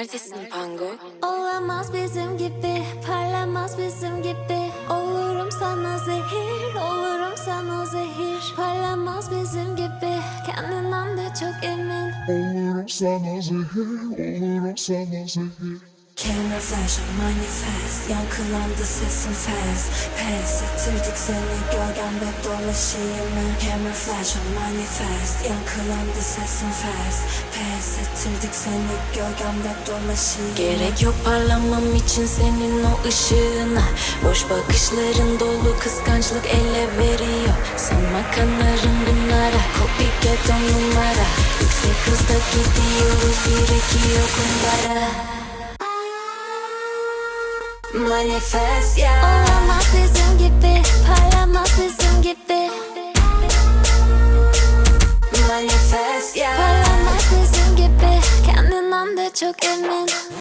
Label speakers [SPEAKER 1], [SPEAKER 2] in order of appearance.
[SPEAKER 1] Neredesin Pango?
[SPEAKER 2] Olamaz bizim gibi, parlamaz bizim gibi. Olurum sana zehir, olurum sana zehir. Parlamaz bizim gibi, kendinden de çok emin.
[SPEAKER 3] Olurum sana zehir, olurum sana zehir.
[SPEAKER 4] Camera flash on manifest, yankılandı sesin fast. Pes ettirdik seni gölgemde dolaşayım mı? Camera flash on manifest, yankılandı sesin fast. Pes ettirdik seni gölgemde dolaşayım.
[SPEAKER 1] Gerek yok parlamam için senin o ışığına. Boş bakışların dolu kıskançlık ele veriyor. Sanma kanarım bunlara, copy get on numara. Yüksek hızda gidiyoruz, birikiyor kumbara.
[SPEAKER 4] Manifest ya.
[SPEAKER 2] Olamaz bizim gibi, parlamaz bizim gibi.
[SPEAKER 4] Manifest ya.
[SPEAKER 2] Parlamaz bizim gibi, kendinden de çok emin.